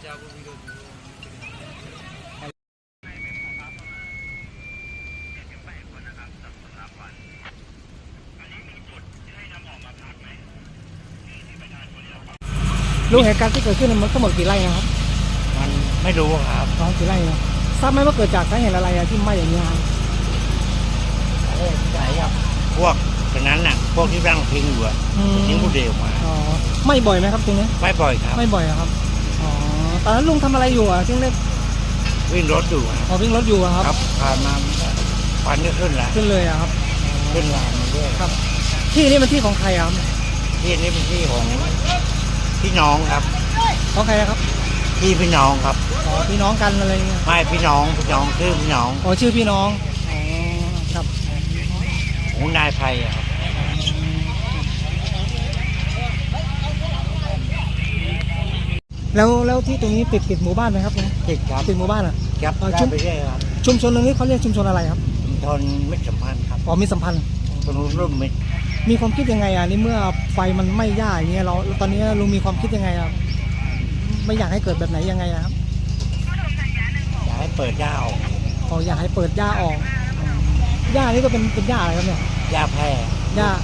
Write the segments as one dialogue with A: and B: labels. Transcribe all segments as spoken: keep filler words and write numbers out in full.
A: ลุงเหตุการณ์ที่เกิดขึ้นมันทั้งหมดกี่ไร่นะครับ
B: มันไม่รู้ครับ
A: สองกี่ไร่นะทราบไหมว่าเกิดจากสาเหตุอะไรที่ไหม้อย่างนี้ครับ
B: เอ๊ะใช่ครับพวกตรงนั้นน่ะพวกที่ร่างทิ้งอยู่อะทิ้งผู้เดียวมา
A: อ๋อไม่บ่อยไหมครับตรงนี้
B: ไม่บ่อยครับ
A: ไม่บ่อยครับอ๋อตอนนั้นลุงทำอะไรอยู่อ่ะที่เล็ก
B: วิ่งรถอยู่
A: อ๋อวิ่งรถอยู่ครับ
B: ครับผ่านมาควันก็ขึ้นแล้ว
A: ขึ้นเลยอะครับ
B: ขึ้นลามมาด้วย
A: ครับที่นี่มันที่ของใครครับ
B: ที่นี่เป็นที่ของพี่น้องครับ
A: ของใครนะครับ
B: พี่พี่น้องครับ
A: อ๋อพี่น้องกันอะไรเงี้ย
B: ไม่พี่น้องพี่น้องชื่อพี่น้อง
A: อ๋อชื่อพี่น้องอ๋อครับ
B: ของนายไพครับ
A: แล้วแล้วที่ตรงนี้ติดติดหมู่บ้านไหมครับ
B: ติดครับ
A: ติดหมู่บ้านอ่ะ
B: ครับชุมไปเรื่อยครับ
A: ชุมชนตรงนี้เขาเรียกชุมชนอะไรครับ
B: ชุมชนมิตรสัมพันธ์ครับ
A: อ๋อมิตรสัมพันธ์
B: ตรงร่วมมิตร
A: มีความคิดยังไงอ่ะนี่เมื่อไฟมันไหม้หญ้าอย่างเงี้ยเราตอนนี้ลุงมีความคิดยังไงอ่ะไม่อยากให้เกิดแบบไหนยังไงครับ
B: อยากให้เปิดหญ้าออก
A: อ๋ออยากให้เปิดหญ้าออกหญ้านี่ก็เป็นเป็นหญ้าอะไรครับเนี่ย
B: หญ้าแพร่
A: หญ้า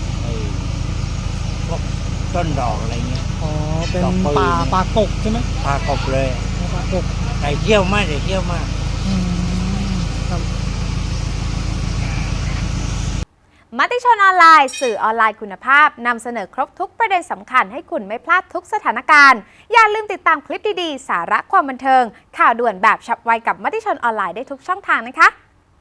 B: พวกต้นดอกอะไรเงี้ย
A: อ๋อเป็นป่าป่ากกใช่ไหม
B: ป่ากกเลย
A: ป่ากก
B: ใส่เที่ยวมากใส่เที่ยวมาก
C: มติชนออนไลน์สื่อออนไลน์คุณภาพนำเสนอครบทุกประเด็นสำคัญให้คุณไม่พลาดทุกสถานการณ์อย่าลืมติดตามคลิปดีๆสาระความบันเทิงข่าวด่วนแบบฉับไวกับมติชนออนไลน์ได้ทุกช่องทางนะคะ